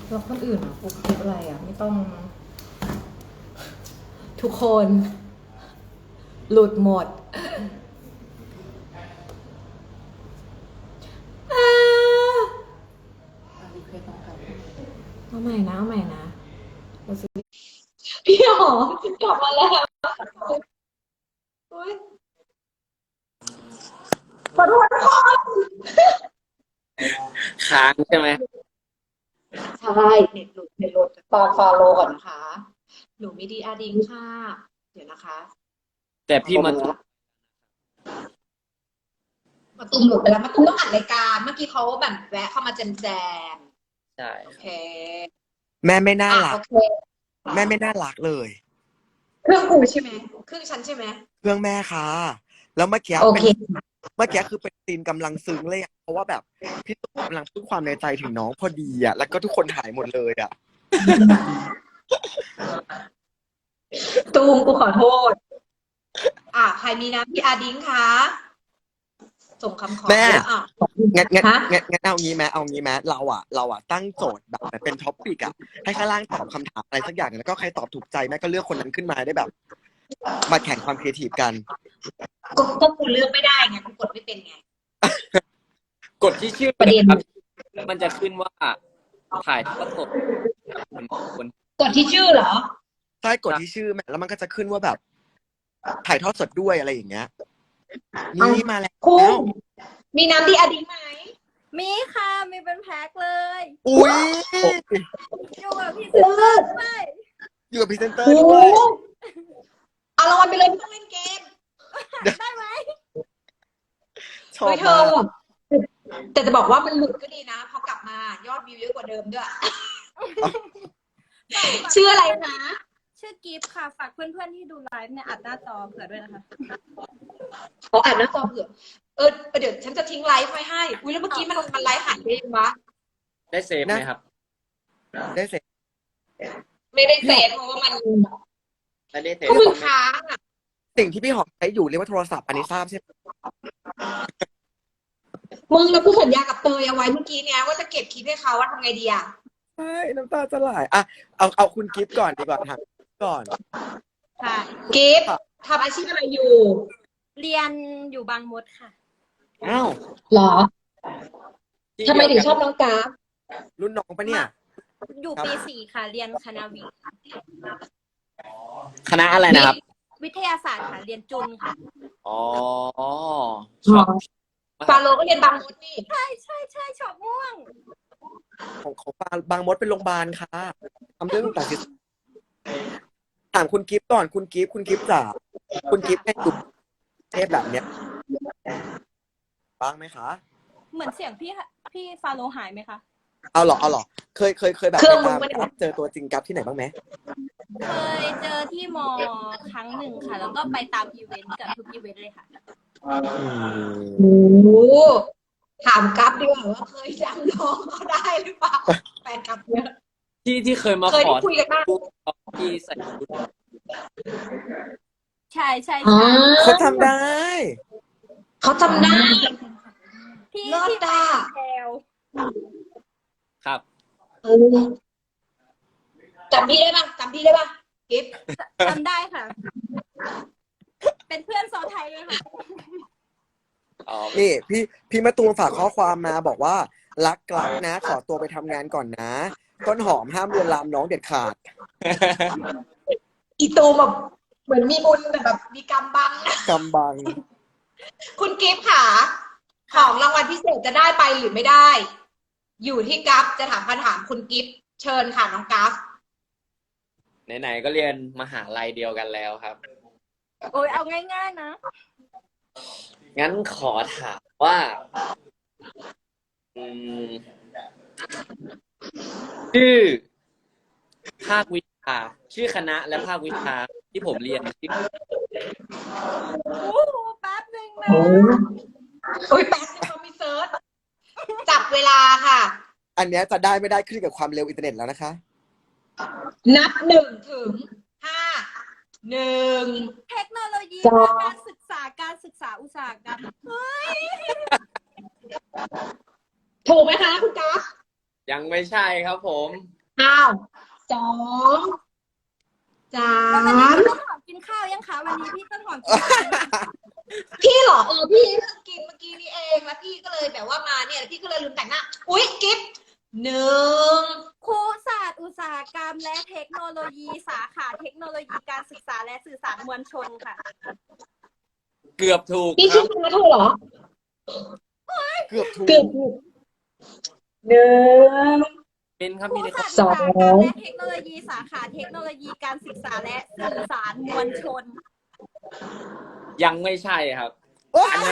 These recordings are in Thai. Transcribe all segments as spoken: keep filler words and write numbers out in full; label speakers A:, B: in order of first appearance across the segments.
A: แล้วคนอื่นอ่ะฟุกคิดอะไรอ่ะไม่ต้องทุกคน หลุดหมดอ่าเอาใหม่นะเอาใหม่นะเราจะพี่หอมกลับมาแล้วอุ๊ยขอโทษค่ะ
B: ค้างใช่ไหม
A: ใช่เน็ตหลุดเน็ตหลุดตอนฟอลโล่ก่อนนะคะหนูมีดีอาดิงค่ะเดี๋ยวนะคะ
B: แต่พี่มาตุ
A: มาตุ้มหลุดไปแล้วมาตุ้มต้องอัดรายการเมื่อกี้เขาแบบแวะเข้ามาแจมแจม
B: ใช่
A: โอเค
C: แม่ไม่น่า
A: อ่ะ
C: รัก
A: โอเค
C: แม่ไม่น่ารักเลย
A: เครื่องกูใช่ไหมเครื่องฉันใช่ไหม
C: เครื่องแม่ค่ะแล้วเมื่อกี้
A: โอ
C: เป็น
A: เค
C: เมื่อกี้คือเป็นซีนกำลังซึ้งเลยอะเพราะว่าแบบพี่ตุ๊กกำลังพูดความในใจถึงน้องพอดีอ่ะแล้วก็ทุกคนหายหมดเลยอ่ะ
A: ตูมกูขอโทษอ่ะใครมีน้ำพี่อาดิ้งคะส่งคำขอ
C: แม่
A: แล้วอ่ะ
C: งั้นงั้น
A: ฮะ
C: งั้นงั้นเอางี้ไหมเอางี้ไหมเราอ่ะเราอ่ะตั้งโจทย์แบบเป็นท็อปปิกอ่ะให้ข้างล่างตอบคำถามอะไรสักอย่างแล้วก็ใครตอบถูกใจแม่ก็เลือกคนนั้นขึ้นมาได้แบบมาแข่งความครีเอทีฟกัน
A: ก็ก็กูเลือกไม่ได้ไงกูกดไม่เป็นไง
B: กดที่ชื่อ
A: ประเด็น
B: ครับมันจะขึ้นว่าถ่ายทอดสดคน
A: กดที่ชื่อเหรอ
C: ใช่กดที่ชื่อแม่แล้วมันก็จะขึ้นว่าแบบถ่ายทอดสดด้วยอะไรอย่างเงี้ยนี่มาแล้ว
A: คุณมีน้ำพี่อาดิ้งไหม
D: มีค่ะมีเป็นแพ็คเลย
C: อุ้ย
D: อยู่กับพี่เซนเตอร์ด้วย
C: อยู่กับพรีเซนเตอร์
A: โอ้
C: ด้วย
A: เอารางวัลไปเลยไม่ต้องเล่นเกม
D: ได้ไหม
C: ชอบ
A: เฮ้ยเธอ
C: มาก
A: แต่จะบอกว่ามันหลุดก็ดีนะพอกลับมายอดวิวเยอะกว่าเดิมด้วยชื่ออะไรนะ
D: ชื่อกิฟต์ค่ะฝากเพื่อนๆที่ดูไลฟ์เนี่ยอัดหน้าจอเผื่อด้วยนะคะ
A: ขออ่านหน้าจอเผื่อเออเดี๋ยวฉันจะทิ้งไลฟ์ไว้ให้อุ้ยแล้วเมื่อกี้มันมันไลฟ์หายไปยังวะ
B: ได้เซฟไหมครับ
C: ได้เสร็จ
A: ไม่ได้เซฟเพราะว่ามัน
B: ไม่ได้เซฟ
A: ก็มึงค้างอ่ะ
C: สิ่งที่พี่หอมใช้อยู่เรียกว่าโทรศัพท์อันนี้ทราบใช่ไหม
A: มึงแล้วกูสัญญากับเตยเอาไว้เมื่อกี้เนี้ยว่าจะเก็บคลิปให้เขาว่าทำไงดีอ่ะ
C: ใช่น้ำตาจะไหลอ่ะเอาเอาคุณกิฟต์ก่อนดีกว่าถามก่อน
D: ค่ะ
A: กิฟทำอาชีพอะไรอยู่
D: เรียนอยู่บางมดค่ะ
B: อ้าว
A: หรอ
B: ที่
A: ทำไมถึงชอบ
B: เดียวกัน
A: น้องกราฟ
C: รุ่นน้องปะเนี่ย
D: อยู่ปีสี่ค่ะ เรียนคณะวิทย์
B: คณะอะไรนะครับ
D: วิทยาศาสตร์ค่ะเรียนจุนค่ะ
B: อ๋อชอบ
A: ฟาโลก็เรียนบางมดนี่
D: ใช่ใช่ใช่ชอบม่วง
C: ของของบางบางมดเป็นโรงพยาบาลค่ะทำเรื่องต่างๆถามคุณกิฟต์ก่อนคุณกิฟต์คุณกิฟต์จ๋าคุณกิฟต์ให้ดูเทพแบบเนี้ยบ้างไหมคะ
D: เหมือนเสียงพี่พี่ฟาโลหายไหมคะ
C: เอาหรอเอาหรอเคยเคยเคยแบบ
A: เครื่องมึ
C: ตาง ม
A: ไม่ได้
C: กับเจอตัวจริงกับที่ไหนบ้างไหม
D: เคยเจอที่มอครั้งหนึ่งค่ะ แล้วก็ไปตามอีเวนต์เกับทุกอีเวนต์เลยค่ะ
A: โอ้ถามกราฟดีกว่าว่าเคยจำน้องเขาได้หรือเปล่าแฟนกราฟเยอะ
B: ที่ที่เคยมา
A: เคย
B: ขอ
A: ได้คุยกันบ้าง
B: ที่ใส่ชุด
D: ใช่ใช่
A: อ๋อ
D: ใช่
C: เขาทำได้
A: เขาจำได้
D: ที่
A: เลิศ
D: ที่ไป
A: อ่ะ
D: แถว
B: ครับ
A: เออจำพี่ได้ป่ะจำพี่ได้ป่ะกิฟต์
D: จำได้ค่ะ เป็นเพื่อนโซไทยเลยค่ะ
B: อ๋อ
C: นี่พี่พี่มาตูมฝากข้อความมาบอกว่ารักกลักนะ ขอตัวไปทำงานก่อนนะต้นหอมห้ามลวนลามน้องเด็ดขาด
A: อีตูมแบบเหมือนมีบุญแต่แบบมีกรรมบังนะ
C: กำบัง
A: คุณกิฟต์ค่ะ ของรางวัลพิเศษจะได้ไปหรือไม่ได้ อยู่ที่กัฟจะถามคำถามคุณกิฟต์เชิญค่ะน้องกัฟ
B: ไหนๆก็เรียนมหาลัยเดียวกันแล้วครับ
D: โอ้ยเอาง่ายๆนะ
B: งั้นขอถามว่า อืม ชื่อ ภาควิชา ชื่อคณะและภาควิชาที่ผมเรียนชื่อ
D: โอ้โหแป๊บหนึ่งนะ
A: โอ้ยแป๊บนึงเขามีเซิร์ชจับเวลาค่ะ
C: อันเนี้ยจะได้ไม่ได้ขึ้นกับความเร็วอินเทอร์เน็ตแล้วนะคะ
A: นับหนึ่งถึงห้าหนึ่ง
D: เทคโนโลยี
A: จ้า
D: การศึกษาการศึกษาอุตสาหกรรมเฮ้ย
A: ถูกไหมคะคุณกัฟ
B: ยังไม่ใช่ครับผม
A: อ้าวสองสา
D: แล้ววันนี้
A: ม
D: พี่ต้นหอมกินข้าวยังคะวันนี้พี่ต้นหอมกินข้าวยังคะ
A: พี่เหรอเออพี่เพิ่งกินเมื่อกี้นี่เองแล้วพี่ก็เลยแบบว่ามาเนี่ยแล้วพี่ก็เลยลืมแต่งหน้าอุ๊ยกิฟต์หนึ่ง
D: ครูศาสตร์อุตสาหกรรมและเทคโนโลยีสาขาเทคโนโลยีการศึกษาและสื่อสารมวลชนค่ะ
B: เกือบถูก
A: นี่
B: ค
A: ชื่
B: รั
A: อบ คณะเธอเหรอ
C: เกือบถูก
A: เกือบถูกหนึ่ง
B: เป็นครับ
D: ครู
B: พี่เล็ก
D: ศา
B: ค
D: ส
B: รับ
D: ตร์อุตสาหกรรมและเทคโนโลยีสาขาเทคโนโลยีการศึกษาและสื่อสารมวลชน
B: ยังไม่ใช่ครับ
A: อ้าว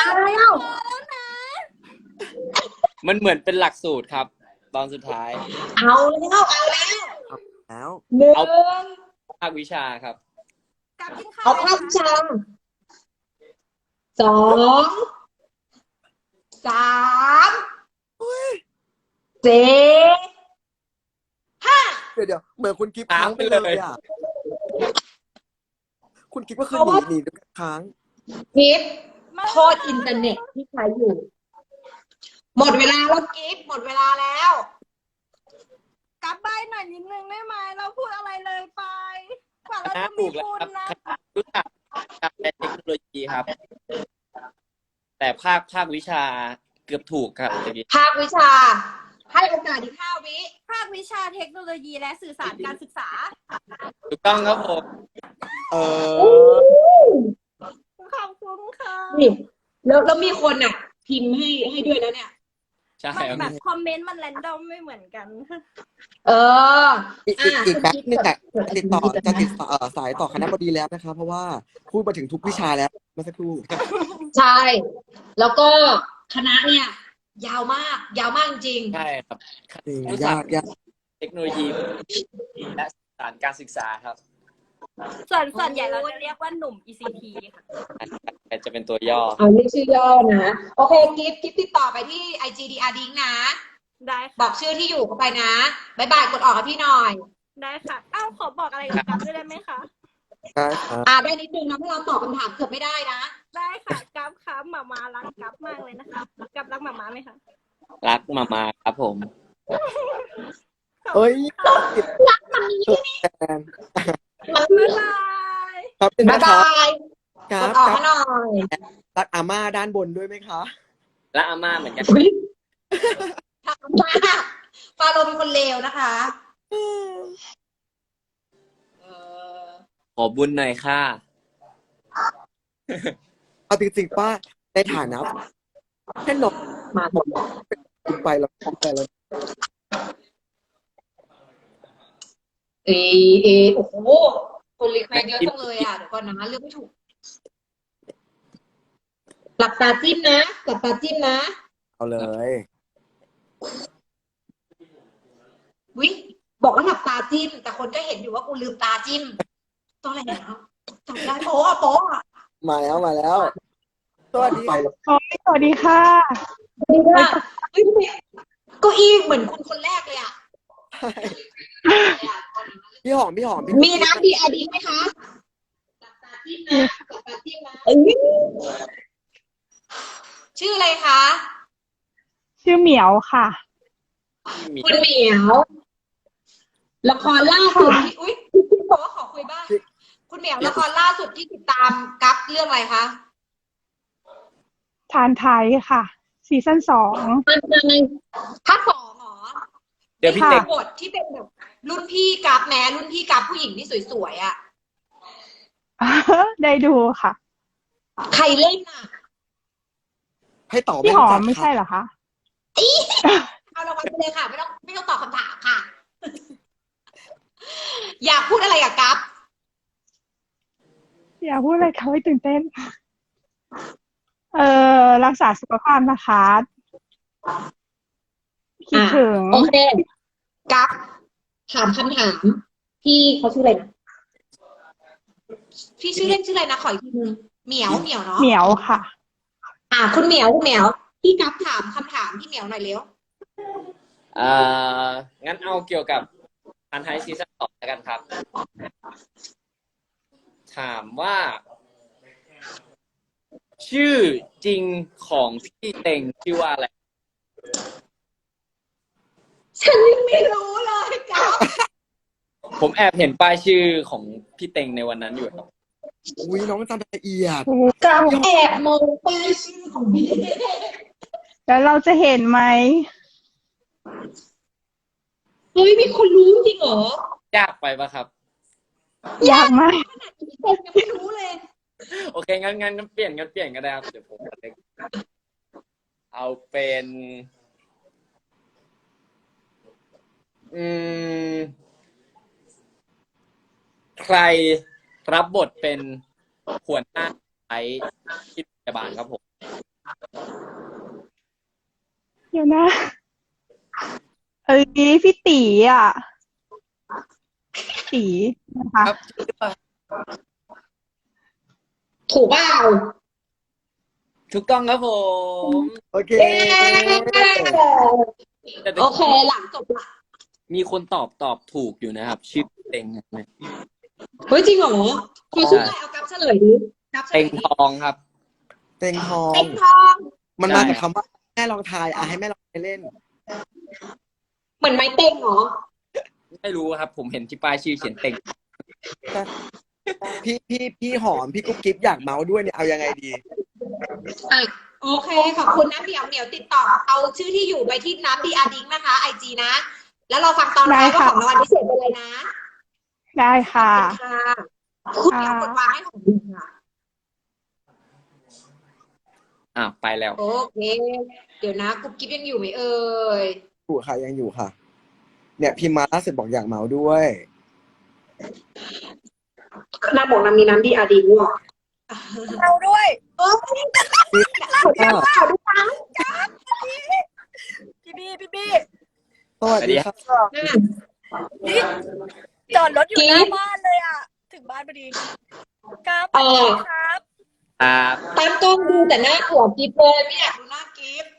B: มันเหมือนเป็นหลักสูตรครับ ตอนสุดท้าย
A: เอาแล้วเอาแล้ว
C: แล้ว
A: หนึ่ง
B: ภาควิชาครับ
D: กับกินข้าว
A: เอา
D: ยัง
A: ภาพ
D: คะ
A: ชาสองสามสี่ห้า
C: เดี๋ยวเดี๋ยวเหมือนคุณกิฟต์
B: ค้าง
C: ค้างไป
B: ไป
C: เล
B: เลย
C: ยอ่ะคุณกิฟต์ก็คือ
A: เพราะ
C: หนี
A: ว่า
C: หนีด้วยกันค้าง
A: กิฟต์โทษอินเทอร์เน็ตที่ใช้อยู่ หมดเวลาแล้วกิฟต์หมดเวลาแล้ว
D: กลับใบหน่อยนิดนึงได้ไหมเราพูดอะไรเลยไปกว่า
B: ค
D: เรา
B: ณะ
D: จะ
B: ถู
D: มี
B: กแล้ว
D: บุญ
B: ครับ
D: นะ
B: คณะรู้จักการและเทคโนโลยีครับ แต่ภาคภาควิชาเกือบถูกครับเมื่อกี้
A: ภาควิชา ให้โอกาสอีกห้าวิ
D: ภาควิชาเทคโนโลยีและสื่อสารการศึกษา
B: ถูกต้องครับผม
C: เออ
D: ขอบคุณค่ะ
A: นี่แล้วแล้วมีคนอ่ะ พิมพ์ให้ให้ด้วยนะเนี่ย
B: ใช่
D: มัน
B: ครับ
D: แบบคอมเมนต์มันแรนดอมไม่เหมือนกัน
A: เออ
C: อีกอีกอีกแป๊บนึงอ่ะ
A: เกิด
C: จะติดต่อจะติดต่อเอ่อสายต่อคณะบดีแล้วนะคะ เพราะว่าพูดมาถึงทุกวิชาแล้วเมื่อสักครู่
A: ใช่ แล้วก็คณะเนี่ย ยาวมาก ยาวมากจริง
B: ใช่ครับ
C: จริง
B: รู้จั
C: ยากยาก
B: เทคโนโลยีและสื่อสารการศึกษาครับ
D: ส่วนส่วนใหญ่เราจะเรียกว่าหนุ่ม อี ซี ที ค่ะ
B: แต่จะเป็นตัวย่อ
A: เอาเรียกชื่อย่อนะ โอเค กิฟต์กิฟต์ติดต่อไปที่ ไอ จี ดี อาร์ ดิงนะ
D: ได้
A: บอ
D: ค่ะ
A: กชื่อที่อยู่เข้าไปนะบายบายกดออกกับพี่หน่อย
D: ได้ค่ะ อ้าวขอบอกอะไรกับกัฟด้วยได้ไหมคะ
C: ได้ครับ
A: อ่าได้นิดนึงนะเพราะเราตอบคำถามเกือบไม่ได้นะ
D: ได้ค่ะกัฟครับหมามารักกัฟมากเลยนะคะกัฟรักหมามาไหมคะ
B: รักมามาครับผม
C: เอ้ย
A: รักมันนี้
C: แฟน
D: บ๊ายบาย
C: ครับเป็น
A: บาย
C: นะค
A: บา
C: รับ
A: ย
C: ค
A: ก
C: รั
A: ด
C: บ
A: ออก
C: ครั
A: ให้
C: บ
A: หน่อย
C: รักอาม่าด้านบนด้วยไหมคะ
B: และอาม่าเหมือนกัน
A: อุ๊ยทำมากฟาโรห์เป็นคนเลวนะคะเออ
B: ขอบุญหน่อยค่ะ
C: เอาจริงๆป้าในฐานะแค่นก
A: มาหมด
C: คุณไปแล้วไปแล้ว
A: เอเอโอ้โหคนรีเควสเยอะจังเลยอ่ะเดี๋ยวก่อนนะเลือกไม่ถูกหลับตาจิ้มนะหลับตาจิ้มนะ
C: เอาเลย
A: วิบอกว่าหลับตาจิ้ม แต่คนก็เห็นอยู่ว่ากูลืมตาจิ้มตัวอะไรเนี่ยจำได้โป๊ะโป๊ะ
C: มาแล้วมาแล้วสวัสดี
A: ไป
C: ค่ะ
A: แล้ว
E: สวัสดีค่ะ
A: สวัสดีค่ะเฮ้ยทำไมเก้าอี้เหมือนคุณคนแรกเลยอ่ะ
C: พี่หอมพี่หอมพี่
A: มีน้ำดีอาดีไหมคะหลับตาจิ้มนะหลับตาจิ้มนะเอ้ยชื่ออะไรคะ
E: ชื่อเหมียวค่ะ
B: มี
A: คุณเหมียวละครล่าสุดที่อุ้ยพี่บอกว่าขอคุยบ้างคุณเหมียวละครล่าสุดที่ติดตามกัฟเรื่องอะไรคะ
E: ทานไทยค่ะ ซีซั่นสอง
A: มันในภาคสองเหรอ
B: เดี๋ยวพี่
E: ค่ะ
B: เต็ก
A: บทที่เป็นแบบรุ่นพี่กัฟแม้รุ่นพี่กัฟผู้หญิงที่สวยๆอ่ะ
E: ได้ดูค่ะ
A: ใครเล่นอ่ะ
C: ให้ตอบ
E: พี่หอม
C: รู้
E: ไม่
C: จัก
E: ใช่เหรอคะ
A: เอารางวัลไปเลยค่ะไม่ต้องไม่ต้องตอบคำถามค่ะ อยากพูดอะไรกับกัฟ
E: อยากพูดอะไรเขาให้ตื่นเต้น เออรักษาสุขภาพนะคะคิดถึง
A: โอเคกัฟถามคำถามพี่เขาชื่ออะไรนะพี่ชื่อเล่นชื่ออะไรนะขออีกทีนึงเหมียวเหมียวเนาะ
E: เหมียวค่ะ
A: อ่าคุณเหมียวคุณเหมียวพี่กัฟถามคำถามพี่เหมียวหน่อยเร็ว
B: เอ่องั้นเอาเกี่ยวกับพันไทยซีซั่นสองแล้วกันครับ ถามว่า ชื่อจริงของพี่เต็งชื่อว่าอะไร
A: ฉันยังไม่รู้เลยกัฟ
B: ผมแอบเห็นป้ายชื่อของพี่เต็งในวันนั้นอยู่ครับ
C: อุ้ยน้องจำละเอียด
A: กับแอบมองป้ายชื่อของพี่
E: แล้วเราจะเห็นไหม
A: เฮ้ยมีคนรู้จริงเหรอย
B: ากไปปะครับ
E: ยากมาก
A: ขนาดพี่เต็มยังไม่รู้เลย
B: โอเคงั้นงั้นงั้นเปลี่ยนงั้นเปลี่ยนก็ได้ครับเดี๋ยวผมจะเล็กเอาเป็น อืม ใครรับบทเป็นหัวหน้าไอ้ที่พยาบาลครับผม
E: เดี๋ยวนะ เอ้ยพี่ตีอ่ะตีนะคะ
B: ครับ
A: ถูกเปล่า
B: ถูกต้องครับผม
C: โอเค
A: เย้
B: แต่ตะ
A: โอ
B: กี้
A: เคหลังจบละ
B: มีคนตอบตอบถูกอยู่นะครับ ชื่อเต็งนะ
A: เฮ้ยจริงเหรอคือชื่ออะไรเอากับเฉลยดิกับเฉล
B: เต็
A: ย
B: ง
A: ดิ
B: ทองครับ
C: เต็งทอง
A: เต็งทอง
C: มันมาจากคำว่าแม่ลองทายอ่ะให้แม่ลองไปเล่น
A: เหมือนไม้เต็งเหรอ
B: ไม่รู้ครับ ผมเห็นที่ป้ายชื่อเขียนเต็ง
C: พี่พี่พี่หอมพี่กุ๊บกิ๊บอยากเมาส์ด้วยเนี่ยเอายังไงดี
A: อ่ะโอเคขอบคุณนะเดี๋ยวเดี๋ยวติดต่อเอาชื่อที่อยู่ไปที่น้ำดีอาร์ดิงนะคะไอจีนะ แล้วเราฟังตอนท้ายว่าของรางวัลพิเศษเป็นอะไรนะ
E: ได้ค่ะ
A: ค่ะคุณเดี๋ยวกดวางให้ของคุณค่ะ
B: อ่ะไปแล้ว
A: โอเค เดี๋ยวนะกุ๊บกิ๊บยังอยู่ไหมเอ่ย
C: อยู่ค่ะยังอยู่ค่ะ เนี่ยพิมพ์มาล่าสุดบอกอยากเมาส์ด้วย
A: น้ำบอกน้ำมีน้ำดีอาร์ดิงว่ะ
D: เราด้วย
A: เอ้ยเราเดี๋ยวเราดูฟัง
D: พี่บี้พี่บี้
C: สวัสดีครับ
D: นี่จอดรถอยู่หน้าบ้านเลยอ่ะ ถึงบ้านพอดีครับสวัสดีครับ
B: ครับ
A: ตามกล้องดูแต่หน้าหัวกิ๊บเลยไม่อยากดูหน้ากิ๊บ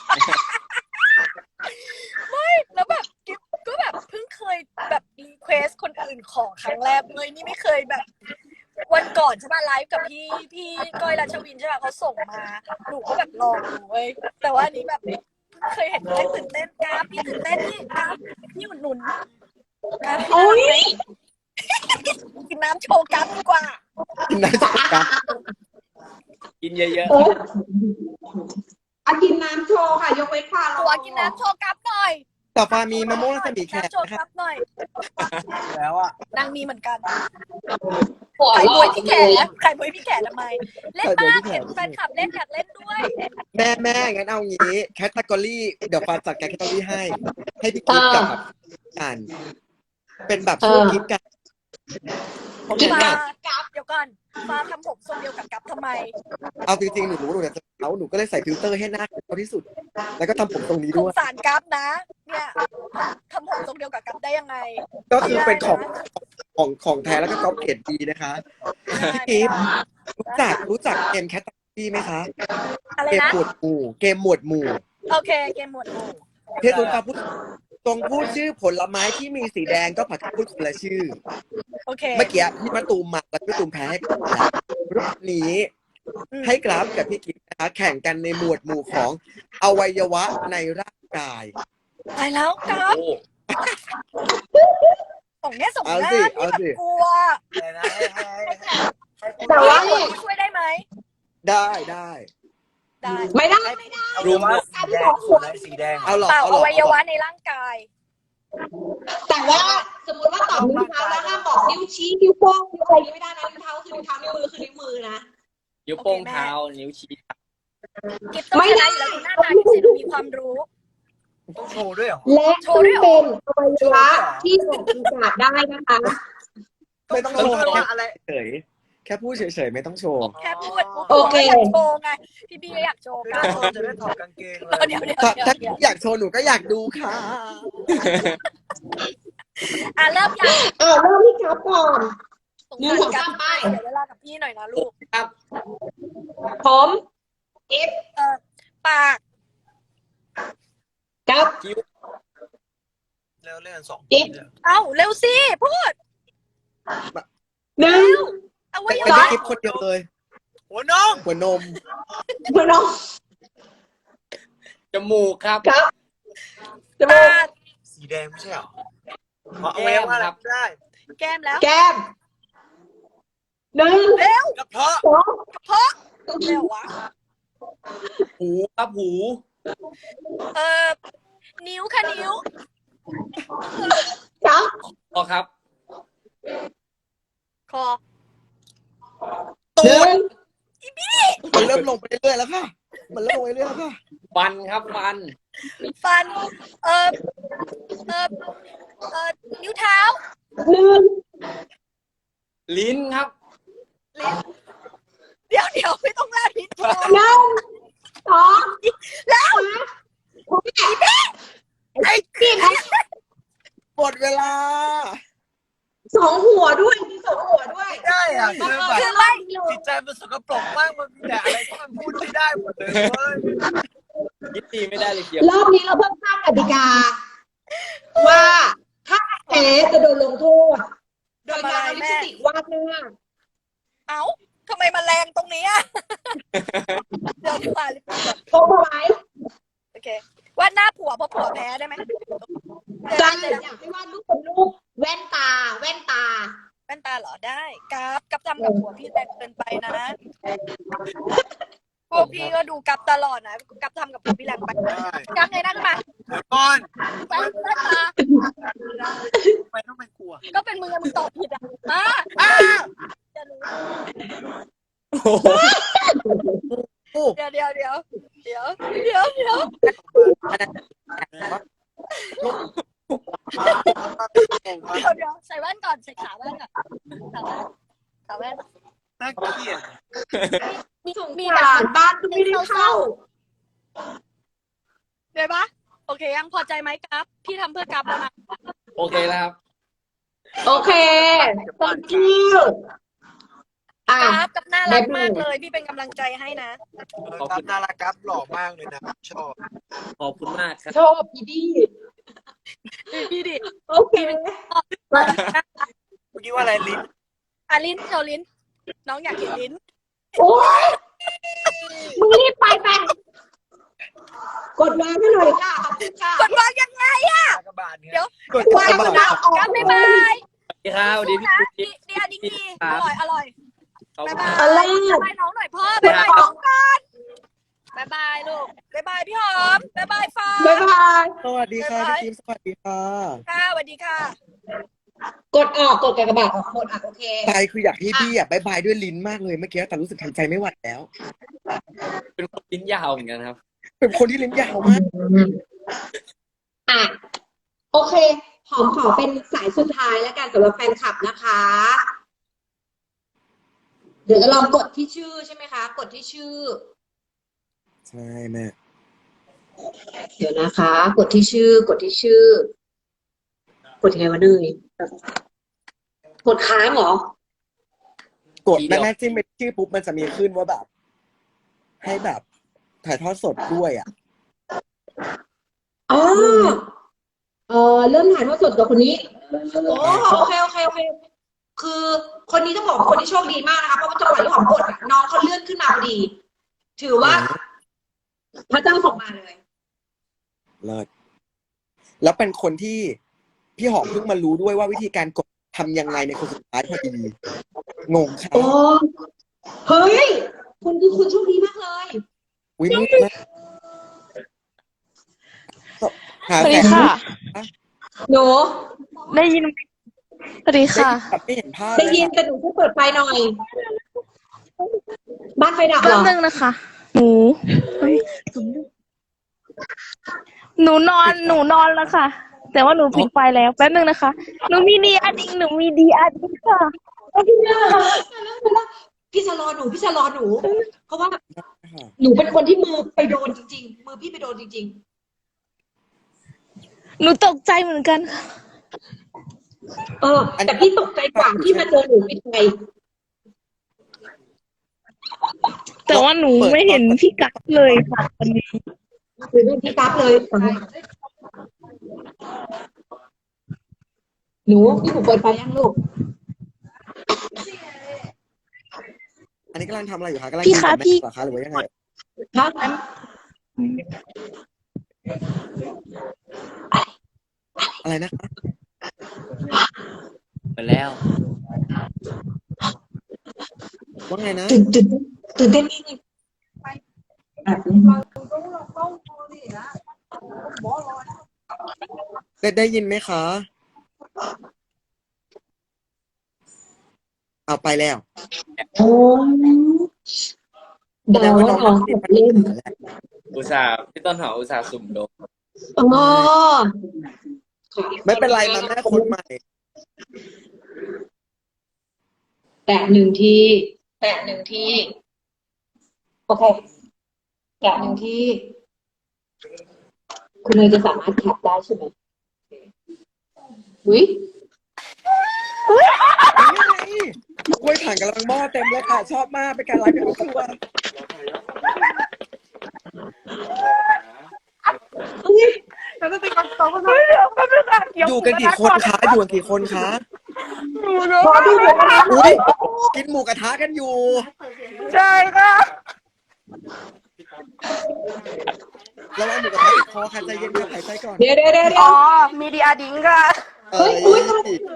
D: แล้วแบบกิ๊บก็แบบเพิ่งเคยแบบรีเควสคนอื่นของครั้งแรกเลยนี่ไม่เคยแบบ วันก่อนใช่ป่ะไลฟ์กับพี่พี่ก้อยรัชวินใช่ป่ะเขาส่งมาหนูก็แบบลองดูเว้ยแต่ว่าอันนี้แบบเพิ่งเคยเห็นเลยตื่นเต้นกราฟพี่ตื่นเต้นนี่กราฟพี่อุดหนุนกราฟพี่
A: โอ้ย
D: กินน้ำโชว์กราฟดีกว่า
C: กินได้จากกัน
B: กินเยอะ
A: โอ้ยอากินน้ำโชว์ค่ะ ยกเว้นความ
D: ตัวกินน้ำโชว์กราฟหน่อย
C: ต่อไปมีมะม่วงรัศมีแข
D: น้ำ
C: ก
D: โชว์
C: นะ
D: ก
C: ค
D: รา
C: รับ
D: ฟหน่อย
C: แล้วอ่ะ
D: นางมีเหมือนกัน
A: หัว
D: ไข่
A: เราะ
D: บวยพี่แขไข่บวยพี่แขทำไม เล่นบ้างเห็นแฟนคลับเล่นอยากเล่นด้วย
C: แม่แม่งั้นเอางี้แคตตากรีเดี๋ยวฟ้าจัดแคตตากรีให้ ให้พี่กิ๊บกับแบบกันเป็นแบบช่วงกิ๊บกัน
A: กิน
D: ฟ้า
A: น้ำกับ
D: เดี๋ยวก่อนฟ้าทำผมทรงเดียวกับกับทำไม
C: เอาจริงๆหนูรู้หนูจะเอาหนูก็เลยใส่ฟิลเตอร์ให้หน้าเขาที่สุด แล้วก็ทำผมตรงนี้
D: ส
C: ด้
D: ง
C: วย
D: สารกับนะ เนี่ยทำผมทรงเดียวกับกับได้ยังไง
C: ก็คือเป็นของของของแท้แล้วก็ก๊อปเกรดดีนะคะพี่กิ๊บรู้จักรู้จักเกมแคตตากรีไหมคะ
D: อะไร
C: เกม
D: นะ
C: หมวดหมู่เกมหมวดหมู่
D: โอเคเกมหมวดหมู่
C: เทศกาลพูดตรงพูดชื่อผลไม้ที่มีสีแดงก็ผัดพูดคนละชื่อ
D: โอเค
C: เมื่อกี้พี่มะตูมมาแล้วพี่มะตูมแพ้ให้กราฟแล้วรอบนี้
D: อืม
C: ให้กราฟกับพี่กิ๊กนะคะแข่งกันในหมวดหมู่ของอวัยวะในร่างกาย
D: ตายแล้วกั
B: ๆ
D: บ
B: โอ้
D: ส่งเนี้ยส่งห
C: เอา
D: น้า
C: สิ
D: ที่
C: เอา
D: แบบ
C: สิ
D: กลัว
A: แต่ว่า
D: พี่ช่วยได้ไหม
C: ได้ได้
D: ได้
A: ไม่ได้ไม่ได้
B: รุม
A: การที่บอกหัว
F: สีแดง
C: เอาหรอ
D: เปล่า
C: เอาหร
D: อ
C: อ
D: วัยวะในร่างกาย
A: แต่ว่าสมมติว่าตอบนิ้วเท้าแล้วห้ามบอกนิ้วชี้นิ้วโป้งนิ้วอะไรอย่างนี้ไม่ได้นะนิ้วเท้าคือนิ้วเท้านิ้วมือคือนิ้วมือนะ
B: นิ้วโป้งเท้า นิ้วชี้
D: กิ๊บต้อง
A: ไม่
D: ช
A: ได้
D: นะอยู่แล้วดูหน้าตาที่เสร็จดูมีความรู้
F: ต้องโชว์ด้วยเหรอ
A: และ
D: โชว์
A: ต้อง
D: ด้วยเหรอ
A: เป็นอวัยวะที่ออกอากาศได้นะคะ
C: ไม่ต้อง
F: ต้
C: โช
F: อง
C: ว์
F: โชว์ว่าอะไร
C: เฉยแค่พูดเฉยๆไม่ต้องโชว์
D: แค่พูด
A: โอเค
D: อยากโชว์ไง พี่พี่ก็อยากโชว์
F: ไม่
D: กัน
F: ต้องโชว์จะได้ถอดกางเกงเลย
D: เดี๋ยวเดี๋ยว
C: ถ้า
D: เดี๋ยว
C: ถ้า
D: เดี๋ยว
C: อยากโชว์หนูก็อยากดูค่ะ
D: อ่ะเริ่มยัง
A: อ่าเริ่มที่ครับก่อน
D: สง
A: หนึ่ง
D: สาร
A: สอง
D: กั
A: สามไป
D: เดี๋ยวเวลากับพี่หน่อยนะลูก
B: ครับ
A: ผมเอฟ
D: เออปาก
A: กับ
B: คิ้ว
F: เร็วเล่นสอง
A: จิ๊บ
D: เอ้าเร็วสิพูด
A: หนึ่ง
D: เอาไว้
C: ไม่
D: ยัง
C: ได้
D: ไง
C: คลิปคนเดียวเลย
F: หัวน้อง
C: หัวนม
A: หัวน้อง
B: จมูกครับ
A: ครับจมู
D: ปาก ก
F: สีแดงไม่ใช่เหรอเอาเอาไว้ว่าอะไรก็ได้
D: แก้มแล้ว
A: แก้มหนึ่ง
D: เร็ว
F: กระเพาะ
A: สอง
D: กระเพาะเร็ววะ
B: หูครับหู
D: เออนิ้วค่ะนิ้ว
A: สาม
B: พอครับ
D: คอ
A: หนึ่ง
C: มันเริ่มลงไปเรื่อยๆแล้วค่ะ มันเริ่มลงไปเรื่อยๆแล้วค่ะ
B: ฟันครับฟัน
D: ฟัน เออเออเออนิ้วเท้า
A: หนึ่ง
B: ลิ้นครับ
D: ลิ้นเดี๋ยวเดี๋ยวไม่ต้องลาลิ้นโชว์
A: หนึ่งสอง
D: แล้ว
A: ไอ้กิน
C: หมดเวลา
A: สองหัวด้วยมีสองหัวด้วย
F: ไม่ได้อ่ะคือแบบ
D: คือไม่
F: จิตใจมันสกปรกมากมันมีแต่อะไรที่มันพูดไม่ได้หมดเลยเว้ย
B: ยิดตีไม่ได้เลยเกียว
A: รอบนี้เราเพิ่มข้ามกติกา ว่าถ้าแพ้จะโดนลงโทษ โดยการเอาลิปสติกวาดหน้า
D: เอ้าทำไมมาแรงตรงนี้อ่ะ เดี๋ยวดีกว่าลิปสติก
A: โทรไว้
D: โอเควาดหน้าผัวเพราะผัวแพ้ได้ไหม
A: ได้อยากให้วาดรูปเป็นรูปแว่นตา แว่นตา
D: แว่นตาเหรอได้กับกับทำกับผัวพี่แรงเกินไปนะพวกพี่ก็ดูกับตลอดนะกับทำกับผัวพี่แรงไป
F: ได้
D: กับไงนั่งมา
F: เดี๋ยวก่อน
D: แว่นตา
F: ทำไมต้องเป็นกลัว
D: ก็เป็นมึงอะมึงตอบผิดอ่ะมา
F: อ้า
D: จะรู้
C: โอ้
D: เดี๋ยวเดี๋ยวเดี๋ยวเดี๋ยวเดี๋ยวเดี๋ยว
F: เก่งมาก
D: เดี๋ยวเดี๋ยวใส่แว่นก่อนใส่ขาแว่นก่อนขาแว่นขาแว่น
F: น่าเกลียด
D: มี
A: สง
D: มี
A: สารบ้านก็ไม่ได้เข้า
D: เดี๋ยวปะโอเคยังพอใจไหมกับพี่ทำเพื่อกับแล้วนะ
B: โอเคแล้วครับ
A: โอเค thank you อ่ะ
D: กับกับน่ารักมากเลยพี่เป็นกำลังใจให้นะ
F: เออครับน่ารักครับหล่อมากเลยนะชอบ
B: ขอบคุณมากครับ
A: ชอบพี่ดี
D: พี่ดิ
A: โอเค
F: เมื่อกี้ว่าอะไรลิ้น
D: อ่ะลิ้นโชว์ลิ้น น้องอยากเห็นลิ้น
A: โอ้ยมึงรีบไปไปกดวางให้หน่อยค่ะขอบคุณค่ะ
D: กดวางยังไงอะ
F: กระบาดเนี่ย
D: เดี๋ยว
C: กด
A: วาง
C: กระ
A: แล้
C: บาว
A: ออก
D: กับบ๊ายบาย
B: สวัสดีครับสวัสดีพี่
D: นะ
B: ปุ๊ก
D: ดี
B: กิ๊ก
D: ดีอันนี้ดีอร่อยอร่อย
B: ขอบคุ
D: บ๊าย
B: ณ
D: บาย
A: อะไร
D: บ๊ายบายน้องหน่อยพ่อบ๊ายบายน้องก่อนบ๊ายบายลูกบ๊ายบายพี่หอมบ๊ายบายฟ้า
A: บ๊ายบาย
C: สวัสดีค่ะพี่กิฟต์สวัสดีค่ะ
D: ค่ะสวัสดีค่ะ
A: กดออกกดกากบาทออกหมดอ่ะโอเค
C: ใจคืออยากให้พี่อ่ะบายบายด้วยลิ้นมากเลยเมื่อกี้แต่รู้สึกทำใจไม่ไหวแล้ว
B: เป็นคนลิ้นยาวเหมือนกันครับ
C: เป็นคนที่ลิ้นยาวมาก
A: อ่ะโอเค หอมขอเป็นสายสุดท้ายแล้วกันสำหรับแฟนคลับนะคะ เดี๋ยวจะลองกดที่ชื่อใช่ไหมคะ กดที่ชื่อ
C: ใช่แม่
A: เดี๋ยวนะคะ กดที่ชื่อ กดที่ชื่อ กดยังไงวะเนยกดค้างเหรอ
C: กดแม่แม่จิ้มไปชื่อปุ๊บมันจะมีขึ้นว่าแบบ ให้แบบถ่ายทอดสดด้วยอ่ะ
A: อ๋อเออเริ่มถ่ายทอดสดกับคนนี้ โอ้โอเคโอเคโอเค คือคนนี้ต้องบอกว่าคนที่โชคดีมากนะคะ เพราะว่าจังหวะที่หอมกดอะน้องเขาเลื่อนขึ้นมาพอดี ถือว่า พระเจ้าส่งมาเลย
C: เลิศแล้วเป็นคนที่พี่หอมเพิ่งมารู้ด้วยว่าวิธีการกดทำยังไงในคนสุดท้ายพอดีงงค่ะ
A: โอ้เฮ้ย คุณคือคุณโชคดีมากเลย
C: อุ้ยมืดมากหา
E: สวัส
C: แส
E: ดี
C: ง
E: ค่ะ
A: หนู
E: ได้ยินไหมสวัสดี
C: ได้
E: ค่ะ
C: ยินแบบไม่เห็นภาพ
A: ได้
C: เลย
A: ยิน
C: ค่ะ
A: แต่หนูช่วยเปิดไฟหน่อย บ้านไฟดับเห
E: แป๊
A: ร
E: บ
A: อ
E: นึงนะคะ หนูเฮ้ยหนูนอนหนูนอนแล้วค่ะ แต่ว่าหนูปิดไฟแล้วแป๊บนึงนะคะ หนูมีดีอาดิงหนูมีดีอาดิงค่ะ
A: พี่จะรอหนู พี่จะรอหนู เพราะว่า
C: ค่ะ
A: หนูเป็นคนที่มือไปโดนจริง ๆ มือพี่ไปโดนจริง
E: หนูตกใจเหมือนกันค่ะ
A: ๆ เออ แต่พี่ตกใจกว่าที่มาเจอหนูปิดไฟ
E: แต่ว่าหนูไม่เห็นพี่กั๊กเลยค่ะวันนี้
A: หรือไม่พี่กั๊บเลย หนูพี่หนูเปิดไฟยังลูก
C: อันนี้กำลังทำอะไรอยู่คะกำลัง
E: พี่คะ
C: กินกับแม่
E: พี่
C: เหรอคะหรือว่ายังไง
A: ครับ
C: อะไรนะคะ
B: ไปแล้ว
C: ว่าไงนะ
A: ตื่นตื่นตื่นเต้นมากเลยแบบนี้
C: ได้ได้ยินไหมคะ เอาไปแล้ว
A: โอ้เดาว่าน้องขดเล่น
B: อุตส่าห์พี่ต้นหอมอุตส่าห์สุ่มลง
A: อ๋อ
C: ไม่เป็นไรมาแม่คนใหม่
A: แตะหนึ่งทีแตะหนึ่งทีโอเคแตะหนึ่งทีคุณเนยจะสามารถแคปได้ใช่ไหมอุ้ย
C: กล้วยผ่านกำลังหม้อเต็มเลยค่ะ ชอบมากเป็นการไลฟ์เป็นครอบครัว
E: แล้วก็เป็นกองกองก็เดี๋ยวก็เป็นการเกี่ยว
C: อยู่กันกี่คนคะอยู่กันกี่คนคะ
A: พอดูเลย
C: อุ้ยกินหมูกระทะกันอยู่
E: ใช่ค่ะ
C: แล้วเอาหมูกระทะติดคอค่ะใจเย็นๆหายใจก่อน
A: เดี๋ยวเดี๋ยวเดี๋ยว
E: อ๋อมีดีอาดิงค่ะ
C: เอ้ย
A: เลิศ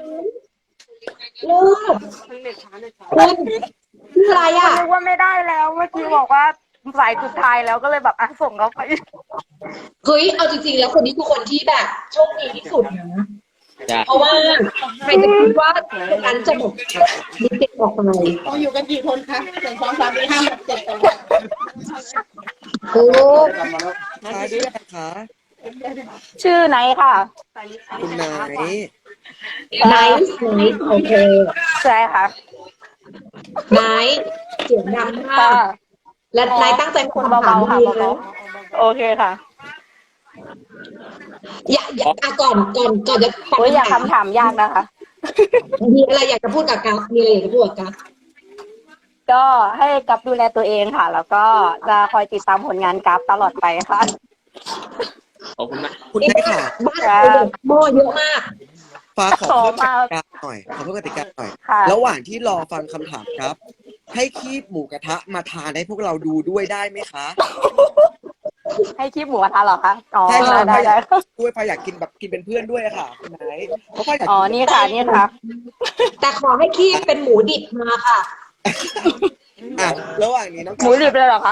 A: คุณคืออะไรอ่ะ
E: นึกว่าไม่ได้แล้วเมื่อกี้บอกว่าสายสุดท้ายแล้วก็เลยแบบอ่ะส่งเขาไป
A: เฮ้ยเอาจริงๆแล้วคนนี้คือคนที่แบบโชคดีที่สุดนะ
B: จ้ะ
A: เพราะว่าใครจะคิดว่าคนนั้นจะหมดมีติดออกไป
G: ต้องอยู่กันกี่คนคะหนึ่งสองสามสี่ห้าหกเจ็ดแปด
A: โอ้
C: ค่ะด้วยนะคะ
E: ชื่อไหนค่ะ
C: คุณนาย
A: ไนท์ไนท์โอเค
E: ใช่ค่ะ
A: ไนท์เสียงดังมา
E: ค่ะ
A: กและไนท์ตั้งใจ
E: คุณเบาๆค่ะ
A: ดี
E: เบา
A: นะ
E: ๆโอเคค่ะ
A: อย่าอย่าอ่ะก่อนก่อนก่อนจะฟัง
E: โอ้ยอย่า
A: คำถาม
E: คำถามยากนะคะ
A: มีอะไรอยากจะพูดกับกัฟมีอะไรอยากจะพูดกับกัฟ
E: ก็ให้กับดูแลตัวเองค่ะ แล้วก็จะคอยติดตามผลงานกราฟตลอดไปค่ะ
B: ขอบคุณมาก
C: คุณนายค่ะ
A: บ้านเราเด็กหม้อเยอะมาก
C: ฟ้าขอ
E: ขอ
C: เพิ่มก
E: มา
C: ติกาหน่อยขอเพิ่มกติกาหน่อย
E: ค่ะ
C: ระหว่างที่รอฟังคำถามครับ ให้คีบหมูกระทะมาทานให้พวกเราดูด้วยได้ไหมคะ
E: ให้คลิปหมูกระทะเหรอคะ อ๋อ
C: ใช่ค่ะ
E: ได้ได้
C: ด้วยฟ้าอยากกินแบบกินเป็นเพื่อนด้วยอะค่ะคุณนายเพราะฟ้าอยาก
E: อ๋อ
C: กิน
E: นี่ค่ะ นี่ค่ะ
A: แต่ขอให้คีบเป็นหมูดิบมาค่ะ
C: อ่ะระหว่างนี้น้อง
E: หมูดิบเลยเหรอคะ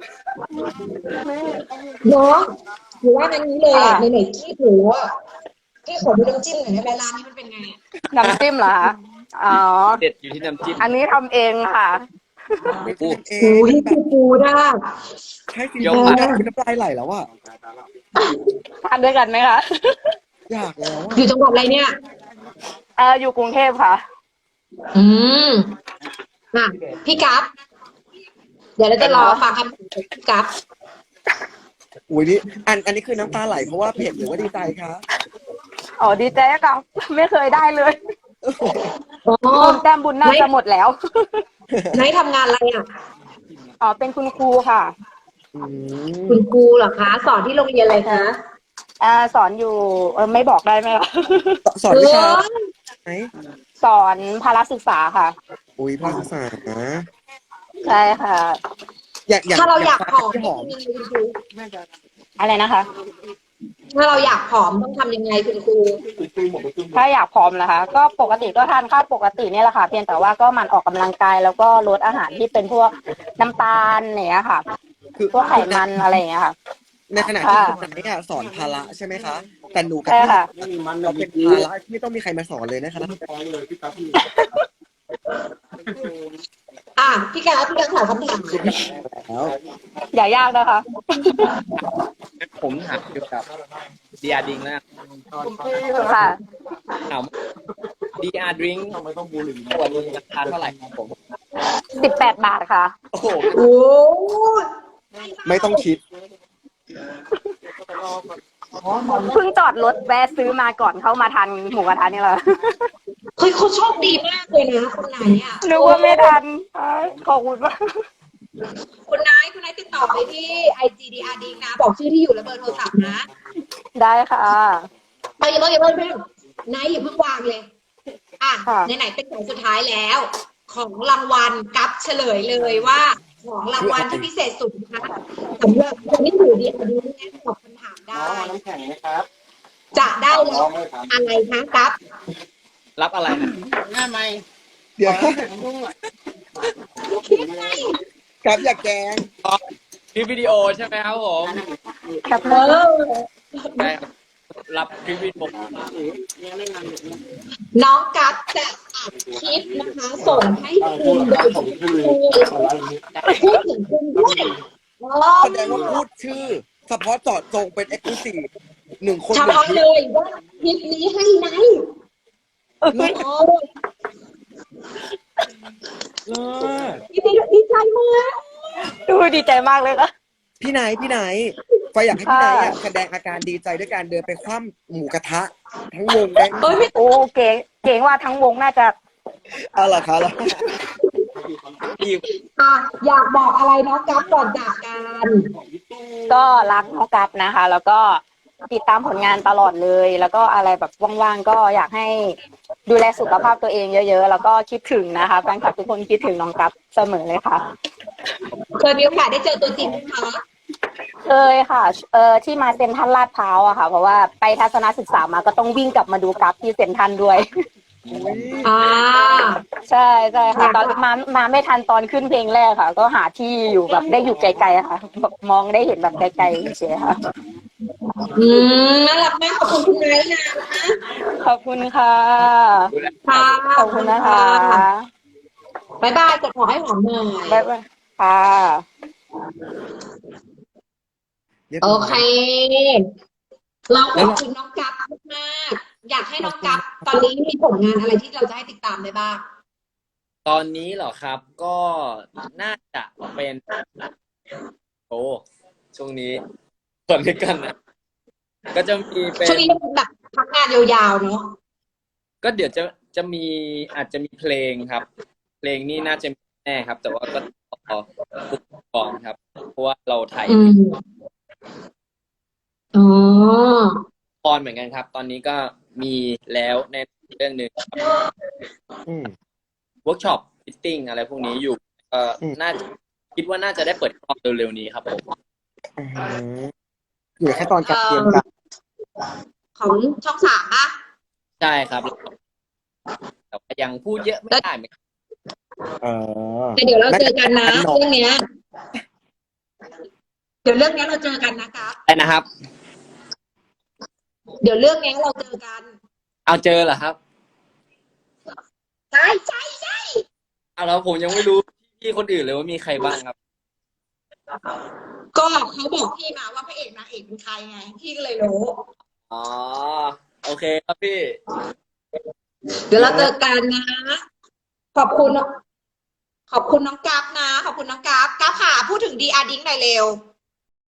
A: น้องหรือว่านั้นนี้เลยอ่ะ
E: ค่ะ
A: ไหนๆคีบหมูอ่ะที่ขอดูน้ำจิ้มหน่อยได้ไหมร้านนี้มันเป็นไงอ่ะ
E: น้ำจิ้มเหรอคะ อ๋อ
B: เด็ดอยู่ที่น้ำจิ้ม
E: อันนี้ทำเองค่ะ
C: ไม่พูดเอ
A: โอ้
C: ง
A: ยปูปูได้
C: ใช่สิ
B: ยก
C: น้
B: มา
C: ำลายไหลแล้วอะ
E: ทานด้วยกันไหมคะ
C: อยากแล้วอะ
A: อยู่จังหวัดอะไรเนี่ย
E: เอออยู่กรุงเทพค่ะ
A: อืมอ่ะพี่กัฟเดี๋ยวเราจะรอฟังคำถามจากพี่กัฟ
C: อุ้ยนี่อันอันนี้คือน้ำตาไหลเพราะว่าเผ็ดหรือว่าดีใจคะ
E: อ๋อ ดีใจกับไม่เคยได้เลย
A: อ๋อ
E: บุญแต้มบุญน่าจะหมดแล้ว
A: ไหนทำงานอะไรอ่ะ
E: อ๋อ เป็นคุณครูค่ะ
C: อืม
A: คุณครูเหรอคะ สอนที่โรงเรียนอะไรคะ
E: อ่า สอนอยู่เออไม่บอกได้ไหมคะ
C: สอนวิชา
A: เออ
C: ไหน
E: สอนพาราศึกษาค่ะ
C: อุ้ยภาษา
E: ใช่ค่ะ
C: อยากอยาก
A: ถ้าเราอยากผอม
C: หอม
A: ทำยังไงคุณครู
E: อะไรนะคะ
A: ถ้าเราอยากผอมต้องทำยังไงคุณครู
E: ถ้าอยากผอมนะคะ ก็ปกติก็ทานข้าวปกติเนี่ยแหละค่ะ เพียงแต่ว่าก็หมันออกกำลังกาย แล้วก็ลดอาหารที่เป็นพวกน้ำตาลเนี่ยค่ะ
C: คือ
E: พวกไขมันอะไรอย่างเงี้ยค่ะ
C: ในขณะที่
E: ค่ะ
C: คุณนายอะสอนภาระใช่ไหมคะ แต่หนูกับ
E: ใช่
C: พี่
E: ค่ะ
C: เราเป็นภาระที่ไม่ต้องมีใครมาสอนเลยนะคะ
A: อ่ะพี่กัฟพี่กัฟถามคำถาม
C: แล้ว
E: อย่ายากนะคะ
B: ผมถามเกี่ยวกับดีอาร์ดิงแล้ว
E: ค่ะ
B: ถามดีอาร์ดริงขวดนึงราคาเท่าไหร่ครับผม
E: สิบแปดบาทค่ะ
C: โอ้โห
A: โอ้
C: ไม่ต้องคิด
E: เพิ่งจอดรถแวะซื้อมาก่อนเข้ามาทานหมูกระทะนี่แหละ
A: เฮ้ยเขาโชคดีมากเลยนะคุณนายอ่ะ
E: นึกว่าไม่ทันขอบคุณมาก
A: คุณนายคุณนายติดต่อไปที่ไอจีดีอาร์ดีนะ บอกชื่อที่อยู่และเบอร์โทรศัพท์นะ
E: ได้ค่ะ
A: ไปอย่าเพิ่งอย่าเพิ่งอย่าเพิ่งนายอย่าเพิ่งวางเลย อ่ะ
E: ค่ะ
A: ไหนๆเป็นของสุดท้ายแล้ว ของรางวัลกัฟเฉลยเลยว่า ของรางวัลที่พิเศษสุดนะคะสำหรับคนที่อยู่ดีอาร์ดีแน่ตอบคำถามได้
G: น้ำแข็งไหมครับ
A: จะได้รับอะไรคะกัฟ
B: รับอะไรนะ
G: หน้าไม่
C: เดี๋ยว
G: ลุงอ่ะ
C: ครับอย่าแกล้ง
B: คลิปวิดีโอใช่ไหมครับผม
E: ครับ
A: เออ
B: ใช่ครับรับคลิปวิดีโอ
G: ยังไม่นานเลย
A: น้องกัฟจะอัดคลิปนะคะ ส่งให้คุณโดยที่พูดถึงคุณด้วยอ๋อ
C: แสดงว่าพูดชื่อ เฉพาะเจาะจงเป็นเอ็กซ์คลูซีฟหนึ่งคน
A: เฉ
C: หนึ่ง
A: พาะ
C: คลิ
A: เล
C: ป
A: ยว่าคลิปนี้ให้ไหนโอ้
C: เลิศ
A: ดีใจดีใจมาก
E: ดูดีใจมากเลยค่ะ
C: พี่ไหนพี่ไหนไฟอยากให้พี่ไหนอะแสดงอาการดีใจด้วยการเดินไปคว่ำหมูกระทะ ทั้งวงได้ไหม
A: เอ้ยไม่
E: โอ้เก๋เก๋ว่าทั้งวงน่าจะ
C: เอาล่ะครับแล้ว
B: ที่
A: อ่ะอยากบอกอะไรน้องกัฟก่อนจากกัน
E: ก็รักน้องกัฟนะคะ แล้วก็ติดตามผลงานตลอดเลย แล้วก็อะไรแบบว่างๆก็อยากให้ดูแลสุขภาพตัวเองเยอะๆ แล้วก็คิดถึงนะคะแฟนคลับทุกคนคิดถึงน้องกัฟเสมอเลยค่ะ
A: เคยมีโอกาสได้เจอตัวจริงไหมคะ
E: เคยค่ะ เออที่มาเซ็นทรัลลาดพร้าวอะค่ะ เพราะว่าไปทัศนศึกษามาก็ต้องวิ่งกลับมาดูกัฟที่เซ็นทรัลด้วย
A: อ่า
E: ใช่ใช่ค่ะ ตอนมามาไม่ทันตอนขึ้นเพลงแรกค่ะ ก็หาที่อยู่แบบได้อยู่ไกลๆอะค่ะแบบมองได้เห็นแบบไกลๆเฉยๆค่ะ
A: อืมน่ารักมากขอบคุณคุณไนท์นะ
E: ขอบคุณค่ะ
A: ค่ะ
E: ขอบคุณนะคะ
A: บ๊ายบายกดหัวให้หอมหน่อย
E: บ๊ายบายค่ะ
C: เรียบ
A: โอ
C: ร้อย
A: เค เราขอบคุณน้องกัฟมากๆอยากให้น้องกัฟตอนนี้มีผลงานอะไรที่เราจะให้ติดตามได้บ้าง
B: ตอนนี้เหรอครับ ก็น่าจะเป็นโอ้ช่วงนี้ก่อนด้วยกันนะก็จะมีเป็น
A: ช่วงนี้แบบพักงานยาวๆเนาะ
B: ก็เดี๋ยวจะจะมีอาจจะมีเพลงครับ เพลงนี้น่าจะมีแน่ครับ แต่ว่าก็รอฟุกกองครับ เพราะว่าเราถ่าย
A: อืมอ๋อ
B: ละครเหมือนกันครับ ตอนนี้ก็มีแล้วในเรื่องหนึ่ง
C: อืม
B: เวิร์กช็อปฟิตติ้งอะไรพวกนี้อยู่ก็
C: อืม
B: น่าจะคิดว่าน่าจะได้เปิดกล้องเร็วๆนี้ครับผม
C: อืมอยู่แค่ตอนการเตรียมกัน
A: ของช่องสามป่ะ
B: ใช่ครับแต่ว่ายังพูดเยอะไม่ได้เหมือนกัน
C: เออ
A: แต่เดี๋ยวเราเจอกันนะ
C: น่าจะ
A: เรื่องเนี้ย เดี๋ยวเรื่องเนี้ยเราเจอกันนะครับ
B: ใช่นะครับ
A: เดี๋ยวเรื่องเนี้ยเราเจอกัน
B: เอาเจอเหรอครับ
A: ใช่ใช่ใช่
B: เอาแล้วผมยังไม่รู้พี่คนอื่นเลยว่ามีใครบ้างครับ
A: ก็เขาบอกพี่มาว่าพระเอกนางเอกเป็นใครไง พี่ก็เลยรู้
B: อ๋อโอเคครับพี่
A: เดี๋ยวเราเจอกันนะ ขอบคุณ ขอบคุณน้องกัฟนะ ขอบคุณน้องกัฟกัฟค่ะพูดถึงดีอาร์ดิ้งหน่อยเร็ว